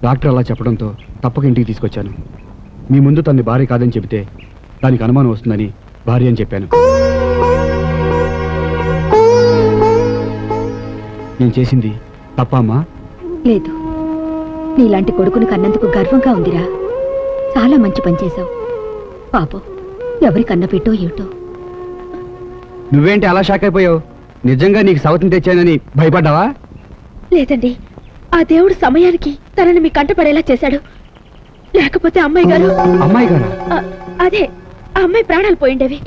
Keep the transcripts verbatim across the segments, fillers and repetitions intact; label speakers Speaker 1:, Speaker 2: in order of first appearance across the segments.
Speaker 1: Doctor అలా చెప్పడంతో తప్పక ఇంటికి తీసుకొచ్చాను. మీ ముందు తన్ని భార్య కాదని చెబితే దానికి అనుమానం వస్తుందని భార్య అని చెప్పాను. నేను చేసింది తప్ప అమ్మా?
Speaker 2: లేదు, నీలాంటి కొడుకుని కన్నందుకు గర్వంగా ఉందిరా. చాలా మంచి పని చేశావు. పాపం ఎవరి కన్న పెట్టో ఏమిటో.
Speaker 1: నువ్వేంటి అలా షాక్ అయిపోయావు? నిజంగా నీకు సవతిని తెచ్చానని భయపడ్డావా?
Speaker 2: లేదండి, ఆ దేవుడు సమయానికి తనని మీ కంట పడేలా చేశాడు. లేకపోతే అమ్మాయి గారు
Speaker 1: అమ్మాయి గారు
Speaker 2: అదే ఆ అమ్మాయి ప్రాణాలు పోయిండేవి.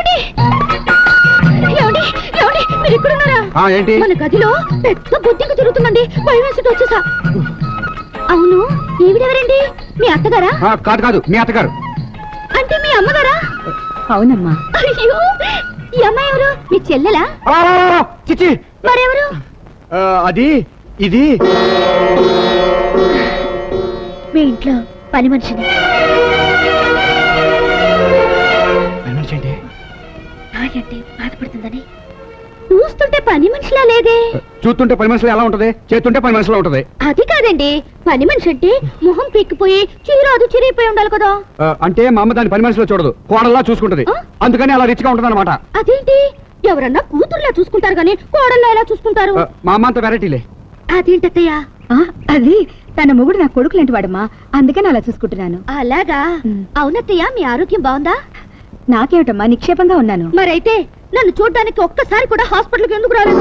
Speaker 2: మన గదిలో పెద్ద బుద్ధికి తిరుగుతుందండి. భయం వేసుకుంటూ వచ్చేసా. అవును, ఈవిడెవరండి? మీ అత్తగారా?
Speaker 1: కాదు కాదు, మీ అత్తగారు.
Speaker 2: అంటే మీ అమ్మగారా? అవునమ్మా. అయ్యో, ఈ అమ్మాయి ఎవరు? మీ చెల్లెలా?
Speaker 1: చిచి,
Speaker 2: మరెవరు?
Speaker 1: అది ఇది
Speaker 2: మీ ఇంట్లో పని మనిషిని. అంటే బాధపడుతుందని చూస్తుంటే పని మనిషిలా లేదే.
Speaker 1: చూస్తుంటే పని మనిషిలో ఎలా ఉంటది? చేస్తుంటే పని మనిషిలో ఉంటది.
Speaker 2: అది కాదండి, పని మనిషి అంటే మొహం పీక్కిపోయి చీరాదు చిరిగిపోయి ఉండాలి కదా.
Speaker 1: అంటే మా అమ్మ దాని పని మనిషిలో చూడదు, కోడల్లా చూసుకుంటది. అందుకని అలా రిచ్ గా ఉంటది అనమాట.
Speaker 2: అదేంటి, ఎవరన్నా కూతురులా చూసుకుంటారు గానీ కోడల్లా ఎలా చూసుకుంటారు?
Speaker 1: మా అమ్మ అంత వెరైటీలే.
Speaker 2: అదేంటత్తయ్య? అది తన మొగుడు నా కొడుకు లాంటి వాడమ్మా, అందుకని అలా చూసుకుంటున్నాను. అలాగా? అవునత్తయ్య, మీ ఆరోగ్యం బాగుందా? నాకేమిటమ్మా, నిక్షేపంగా ఉన్నాను. మరైతే నన్ను చూడ్డానికి ఒక్కసారి కూడా హాస్పిటల్కి ఎందుకు రాలేదు?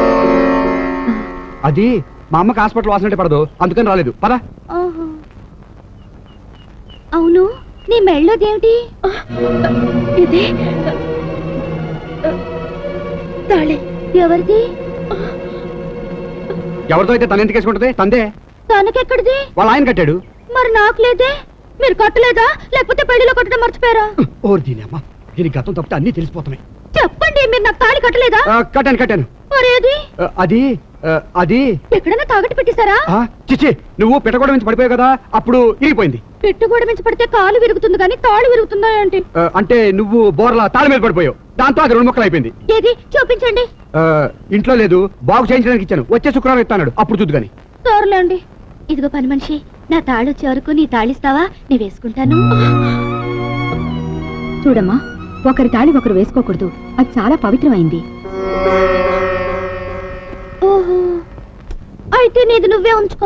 Speaker 1: అది మా అమ్మకి హాస్పిటల్ వాసనంటే పడదు, అందుకని రాలేదు. పద.
Speaker 2: అవును, నీ మెళ్ళోదేమిటి? ఇది తాళి. ఎవరిది?
Speaker 1: ఎవరితో అయితే తన ఎందుకు వేసుకుంటది? తందే.
Speaker 2: తనకెక్కడిది?
Speaker 1: వాళ్ళ ఆయన కట్టాడు.
Speaker 2: మరి నాకు లేదే. మీరు కట్టలేదా, లేకపోతే పెళ్లిలో కట్టడం మర్చిపోయారా?
Speaker 1: ఓర్ దీని అమ్మ, దీని గతం తప్పితే అన్ని తెలిసిపోతున్నాయి.
Speaker 2: చెప్పండి, మీరు నాకు తాళి కట్టలేదా?
Speaker 1: కట్టాను కట్టాను.
Speaker 2: మరేది?
Speaker 1: అది అది
Speaker 2: ఎక్కడైనా తాగట్టు పెట్టేశారా?
Speaker 1: చిచ్చి, నువ్వు పెట్టగొడ నుంచి పడిపోయావు కదా, అప్పుడు ఇరిగిపోయింది.
Speaker 2: పెట్టుగోడ నుంచి పడితే కాలు విరుగుతుంది కానీ తాళి విరుగుతుందా ఏంటి?
Speaker 1: అంటే నువ్వు బోర్లా తాళి మీద పడిపోయావు, దాంతో అది రెండు ముక్కలు అయిపోయింది.
Speaker 2: ఏది చూపించండి.
Speaker 1: ఇంట్లో లేదు, బాగు చేయించడానికి ఇచ్చాను. వచ్చే శుక్రవారం ఇస్తాడు, అప్పుడు చూద్దు గాని.
Speaker 2: తోరలేండి. ఇదిగో పని మనిషి, నా తాళి వచ్చే వరకు నీ తాళిస్తావా? నీ వేసుకుంటాను. చూడమ్మా, ఒకరి తాళి ఒకరు వేసుకోకూడదు, అది చాలా పవిత్రమైంది. ఓహో, అయితే నీది నువ్వే ఉంచుకో.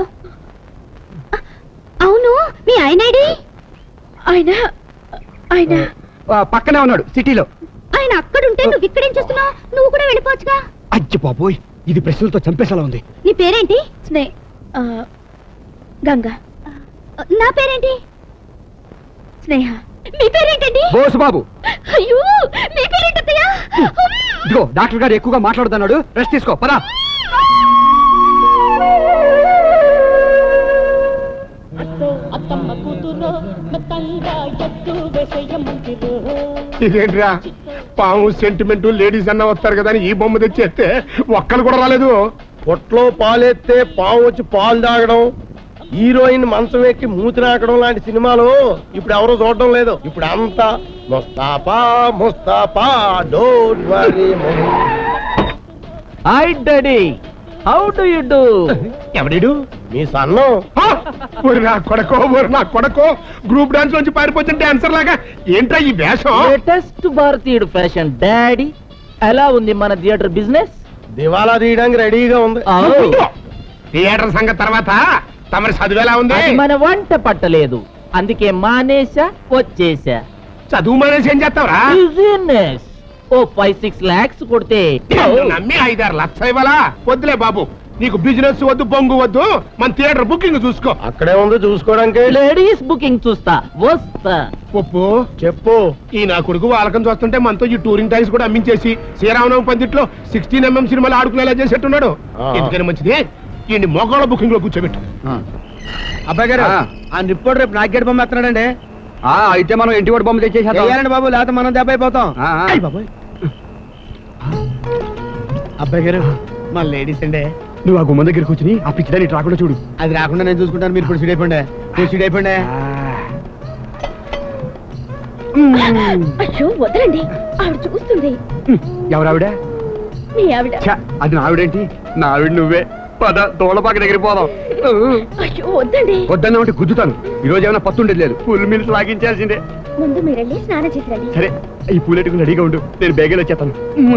Speaker 2: అవును, మీ ఆయనడి? ఆయన ఆయన
Speaker 1: పక్కనే ఉన్నాడు, సిటీలో.
Speaker 2: ఆయన అక్కడుంటే నువ్వు ఇక్కడేం చేస్తున్నావు? నువ్వు కూడా వెళ్ళిపోవచ్చుగా.
Speaker 1: అజ్జి బాబోయ్, ఇది ప్రశ్నలతో చంపేసేలా ఉంది.
Speaker 2: నీ పేరేంటి? స్నే గంగా. నా పేరేంటి? స్నేహ. మీ పేరేంటండి?
Speaker 1: బోసు బాబు.
Speaker 2: అయ్యో, మీ పేరేంటయ్యా?
Speaker 1: ఇదిగో డాక్టర్ గారు ఎక్కువగా మాట్లాడుతున్నాడు, రెస్ట్ తీసుకో. పదా.
Speaker 3: ఇదేంట్రా, పాము సెంటిమెంట్ లేడీస్ అన్న వస్తారు కదా అని ఈ బొమ్మ తెచ్చేస్తే ఒక్కరు కూడా రాలేదు.
Speaker 4: పొట్లో పాలెత్తే పాము వచ్చి పాలు తాగడం, హీరోయిన్ మంచం ఎక్కి మూతి నాకడం లాంటి సినిమాలు ఇప్పుడు ఎవరో చూడడం లేదు. ఇప్పుడు అంతా Mustafa Mustafa don't worry.
Speaker 5: Hi daddy, how do you do?
Speaker 4: ఎవడు మీ సన్నం?
Speaker 3: నా కొడకో నా కొడకో గ్రూప్ డాన్స్ నుంచి పారిపోతున్న డాన్సర్ లాగా ఏంట్రా ఈ వేషం?
Speaker 5: లేటెస్ట్ భారతీయుడు ఫ్యాషన్ డాడీ. ఎలా ఉంది మన థియేటర్ బిజినెస్?
Speaker 4: దివాలా తీయడానికి రెడీగా ఉంది.
Speaker 3: థియేటర్ సంగతి తర్వాత, తమరి చదువేలా ఉంది?
Speaker 5: మన వంట పట్టలేదు, అందుకే మానేసా, వచ్చేసా.
Speaker 3: చదువు మానేసి ఏం చేస్తావురా?
Speaker 5: బిజినెస్ ఓ ఫైవ్ సిక్స్ లాక్స్ కొడితే
Speaker 3: నమ్మి ఐదారు లక్ష ఇవ్వాలా? వద్దులే బాబు, నీకు బిజినెస్ వద్దు, బొంగు వద్దు, మన థియేటర్ బుకింగ్ చూసుకో.
Speaker 4: అక్కడే ఉంది చూసుకోవడానికి.
Speaker 5: లేడీస్ బుకింగ్ చూస్తా, వస్తా.
Speaker 3: ఒప్పు
Speaker 4: చెప్పు.
Speaker 3: ఈ నా కొడుకు వాళ్ళకం చూస్తుంటే మనతో ఈ టూరింగ్ టైమ్స్ కూడా అమ్మించేసి శ్రీరామనవమి పందిట్లో సిక్స్టీన్ ఎంఎం సినిమాలు ఆడుకునేలా చేసేట్టున్నాడు. ఎందుకని మంచిది, ఈ మోకాళ్ళ బుకింగ్ లో కూర్చోబెట్టు.
Speaker 4: అబ్బాయి గారు, ఆ నిప్పుడు రేపు నాగేట్ బొమ్మ ఎత్తున్నాడండి.
Speaker 1: అయితే మనం ఇంటి వాడి బొమ్మ తెచ్చేసాం
Speaker 4: బాబు, లేకపోతే మనం దెబ్బ అయిపోతాం. అబ్బాయి గారు, మా లేడీస్ అండి.
Speaker 1: నువ్వు ఆ గుమ్మ దగ్గర కూర్చుని ఆ పిచ్చిదాన్ని రాకుండా చూడు.
Speaker 4: అది రాకుండా నేను చూసుకుంటాను, మీరు ఇప్పుడు సీడ్ అయిపోండి. మీరు సీడ్ అయిపోండి.
Speaker 2: అయ్యో వదలండి, ఆవిడ చూస్తుంది.
Speaker 1: ఎవరావిడ?
Speaker 2: మీ ఆవిడ.
Speaker 1: అది నా ఆవిడేంటి? నా ఆవిడ నువ్వే. పద దోళపాక దగ్గర పోదాం
Speaker 2: అయ్యో వద్దండి.
Speaker 1: వద్దన్న ఒకటి గుద్దుతాను. ఈ రోజు ఏమైనా పత్తుండేది లేదు. ఫుల్ మిల్స్ లాగించాల్సిందే.
Speaker 2: ముందు మీరెళ్ళి స్నానం చేసి రండి.
Speaker 1: సరే ఈ పూలెట్టుకుని రెడీగా ఉండు, నేను బేగలు వచ్చేస్తాను.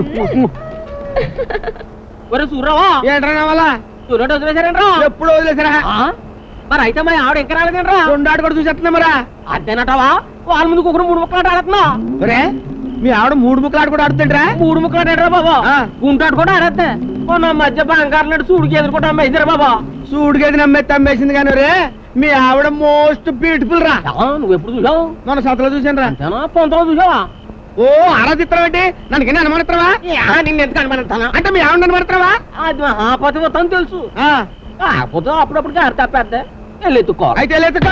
Speaker 5: ఒరే సూర్రావా
Speaker 4: ఏంట్రా వల్ల
Speaker 5: సూర్యుడు వదిలేశారంట్రా
Speaker 4: ఎప్పుడు వదిలేసారా?
Speaker 5: మరి అయితే మరి ఆవిడ ఇంకా రాలేదంట్రా
Speaker 4: రెండు ఆట కూడా చూసేస్తున్నా మరా.
Speaker 5: అంతేనటవా వాళ్ళ ముందు కుక్కరు మూడు ముక్కలు ఆడుతున్నా
Speaker 4: ఒరే మీ ఆవిడ మూడు ముక్కలు ఆట కూడా ఆడుతుంటరా?
Speaker 5: మూడు ముక్కలు ఆడారా బాబా
Speaker 4: ఆ.
Speaker 5: గుంటాడు కూడా ఆడేస్తే నా మధ్య బంగారు సూడికి ఎదుర్కొంటా అమ్మాయిద్దరా బాబా.
Speaker 4: సూడిగది నమ్మేస్తే అమ్మేసింది కానీ రే మీ ఆవిడ మోస్ట్ బ్యూటిఫుల్ రా.
Speaker 5: నువ్వు ఎప్పుడు చూసావు
Speaker 4: మన సతలో చూసాను రా.
Speaker 5: అంతేనా పొంతలో చూసావా?
Speaker 4: ఓ ఆరాధిత్రం ఏంటి? నన్ను కింద అనుమానిత్రవా?
Speaker 5: నిన్ను ఎందుకు అనుమానిస్తానా?
Speaker 4: అంటే మీ ఆవిడ అనుమానిత్రవా?
Speaker 5: అది ఆ పతి మొత్తం తెలుసు కాకపోతే అప్పుడప్పుడు గారి తప్పేద్ద వెళ్ళి ఎత్తుకోవాలి.
Speaker 4: అయితే లేదుక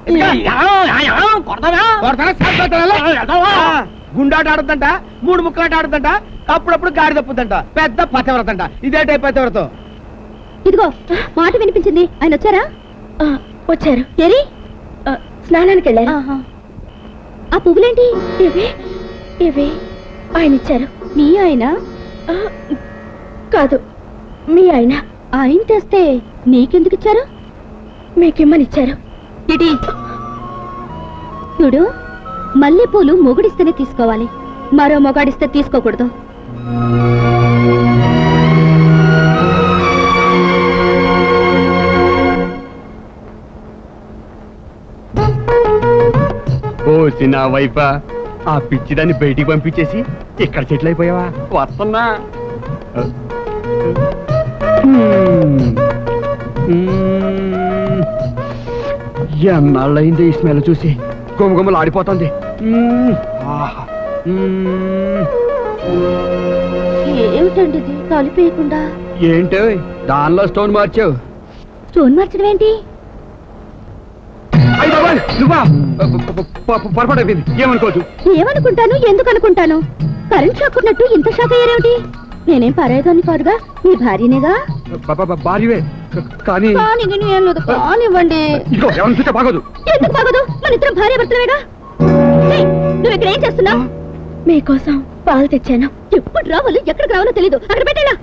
Speaker 4: గుండాట ఆడుతుంట, మూడు ముక్కలాట ఆడుతుంట, అప్పుడప్పుడు గాడి తప్పుతుంట. పెద్ద పతివ్రతంట. ఇదే టైప్ పతివ్రతం.
Speaker 2: ఇదిగో మాట వినిపించింది. ఆయన వచ్చారా? వచ్చారు. ఏరి స్నానానికి వెళ్ళారు. ఆ పువ్వులేంటి? ఇవి ఇవి ఆయన ఇచ్చారు. మీ ఆయన? కాదు మీ ఆయన. ఆయన తెస్తే నీకెందుకు ఇచ్చారు? మీకిమ్మని ఇచ్చారు. ఇటీ చూడు, మల్లెపూలు మొగుడిస్తేనే తీసుకోవాలి, మరో మొగాడిస్తే తీసుకోకూడదు.
Speaker 1: ఓ చిన్న వైఫా, ఆ పిచ్చిదాన్ని బయటికి పంపించేసి ఇక్కడ సెటిల్ అయిపోయావా? వస్తున్నా. ఎన్నాళ్ళయింది ఈ స్మెల్ చూసి, గుమగుమలు ఆడిపోతుంది.
Speaker 2: ఏమిటండి ఇది కలిపేయకుండా?
Speaker 1: ఏంటో దానిలో స్టోన్ మార్చావు.
Speaker 2: స్టోన్ మార్చడం ఏంటి?
Speaker 1: అయ్య బాబాయ్, నువ్వా? పొరపాటు అయిపోయింది, ఏమనుకోవద్దు.
Speaker 2: ఏమనుకుంటాను, ఎందుకు అనుకుంటాను? కరెంట్ షాక్ ఉన్నట్టు ఇంత షాక్ అయ్యారేమిటి? నేనేం పరాయిదాన్ని కాదుగా, మీ భార్యనేగా.
Speaker 1: భార్యవే కానీ
Speaker 2: కానీ గిని ఏం లేదు, కానివ్వండి.
Speaker 1: ఇదిగో ఎవరిని చూస్తే బాగోదు.
Speaker 2: ఎందుకు బాగోదు? మన ఇద్దరం భార్య భర్తలేగా. ఏయ్, నువ్వు ఇక్కడ ఏం చేస్తున్నావు? మీకోసం పాలు తెచ్చాను. ఎప్పుడు రావాలో ఎక్కడికి రావాలో తెలీదు. అక్కడ పెట్టేలా.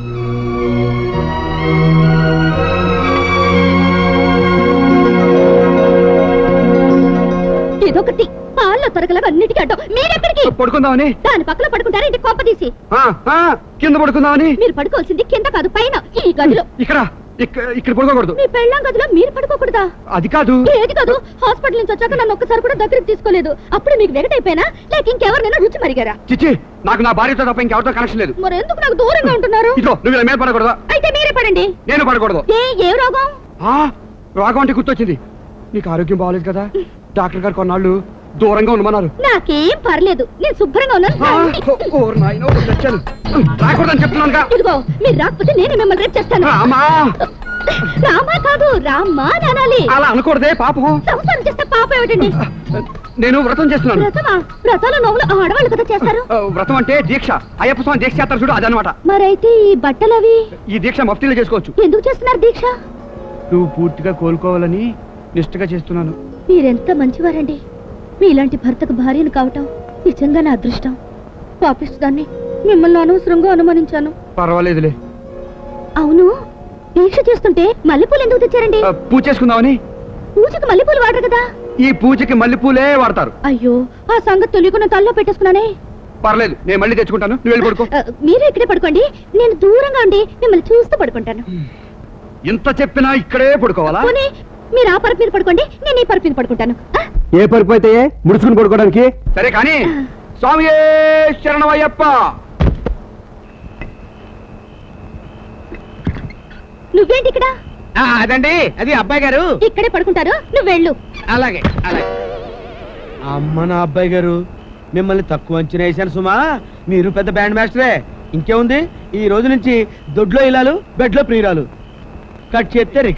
Speaker 2: ఇదొకటి పాల్లో తొరగలవి అన్నిటికీ అడ్డం. మీరెక్కడికి?
Speaker 1: పడుకుందామని.
Speaker 2: దాని పక్కన పడుకుంటారా ఇంటి కొంప తీసి?
Speaker 1: ఆ, ఆ, కింద పడుకుందామని.
Speaker 2: మీరు పడుకోవాల్సింది కింద కాదు, పైన ఈ గదిలో.
Speaker 1: ఇక్కడ ఇక్కడ ఇక్కడ పడుకోకూడదు.
Speaker 2: మీ పెళ్ళాం గదిలో మీరు పడుకోకూడదా?
Speaker 1: అది కాదు.
Speaker 2: ఏది కాదు? హాస్పిటల్ నుంచి వచ్చాక నన్ను ఒక్కసారి కూడా దగ్గరికి తీసుకోలేదు. అప్పుడు మీకు వెగటైపోయినా లేక ఇంకెవరినైనా రుచి మరిగారా?
Speaker 1: చిచ్చి, నాకు నా భార్యతో తప్ప ఇంకెవరితో కనెక్షన్ లేదు.
Speaker 2: మరి ఎందుకు నాకు దూరంగా ఉంటున్నారు?
Speaker 1: ఇదిగో నువ్వు ఇలా మీద పడకూడదా?
Speaker 2: అయితే మీరే పడండి.
Speaker 1: నేను పడకూడదు.
Speaker 2: ఏ ఏ రోగం?
Speaker 1: ఆ, రోగం అంటే గుర్తొచ్చింది. నీకు ఆరోగ్యం బాగోలేదు కదా, డాక్టర్ గారు కొన్నాళ్ళు దూరంగా ఉండమన్నారు.
Speaker 2: నాకేం పర్లేదు, నేను శుభ్రంగా ఉన్నాను.
Speaker 1: రాకూడదని చెప్తున్నానుగా.
Speaker 2: ఇదిగో మీరు రాకపోతే నేనే మిమ్మల్ని రేపు చేస్తాను.
Speaker 1: రామా
Speaker 2: రామా కాదు, రామ్మా అనాలి.
Speaker 1: అలా అనకూడదే, పాపం.
Speaker 2: సంసారం చేస్తే పాప ఏమిటండి?
Speaker 1: నేను వ్రతం చేస్తున్నాను.
Speaker 2: వ్రతమా? వ్రతాల నోములు ఆడవాళ్ళు కదా చేస్తారు.
Speaker 1: ఆ, వ్రతం అంటే దీక్ష. అయ్యప్ప స్వామి దీక్ష చేస్తారు చూడు, అదనమాట.
Speaker 2: మరైతే ఈ బట్టలవి
Speaker 1: ఈ దీక్ష మఫ్తీలో చేసుకోవచ్చు.
Speaker 2: ఎందుకు చేస్తున్నారు దీక్ష?
Speaker 1: నువ్వు పూర్తిగా కోలుకోవాలని నిష్ఠగా చేస్తున్నాను.
Speaker 2: మీరెంత మంచివారండి. మీలాంటి భర్తకు భార్యను కావటం నిజంగా నా అదృష్టం. పాపిస్తుదాన్ని మిమ్మల్ని అనవసరంగా అనుమానించాను.
Speaker 1: పర్వాలేదులే.
Speaker 2: అవును, దీక్ష చేస్తుంటే మల్లెపూలు ఎందుకు తెచ్చారండి?
Speaker 1: ఆ, పూజ చేసుకుందామని.
Speaker 2: పూజకు మల్లెపూలు వాడరు కదా.
Speaker 1: ఈ పూజకి మల్లెపూలే వాడతారు.
Speaker 2: అయ్యో, ఆ సంగతి తెలియకుండా తల్లో పెట్టేసుకున్నానే.
Speaker 1: పర్లేదు, నేను మళ్ళీ తెచ్చుకుంటాను, నువ్వు వెళ్ళి పడుకో.
Speaker 2: ఆ, మీరు ఇక్కడే పడుకోండి, నేను దూరంగా ఉండి మిమ్మల్ని చూస్తూ పడుకుంటాను.
Speaker 1: ఇంత చెప్పినా ఇక్కడే పడుకోవాలా?
Speaker 2: పోనీ మీరు ఆ పరుపు మీద పడుకోండి, నేను ఈ పరుపు మీద పడుకుంటాను. ఆ?
Speaker 1: ఏ పరుపు అయితే ముడుచుకుని పడుకోవడానికి. సరే కానీ స్వామి శరణమయ్యప్ప.
Speaker 2: నువ్వేంటి ఇక్కడ?
Speaker 4: అదండి అది అబ్బాయి గారు
Speaker 2: ఇక్కడే పడుకుంటారు, నువ్వు వెళ్ళు.
Speaker 4: అలాగే అలాగే. అమ్మ నా అబ్బాయి గారు, మిమ్మల్ని తక్కువ అంచనా వేశాను సుమా. మీరు పెద్ద బ్యాండ్ మాస్టరే. ఇంకేముంది, ఈ రోజు నుంచి దొడ్లో ఇలాలు, బెడ్లో ప్రియురాలు. కట్ చేస్తే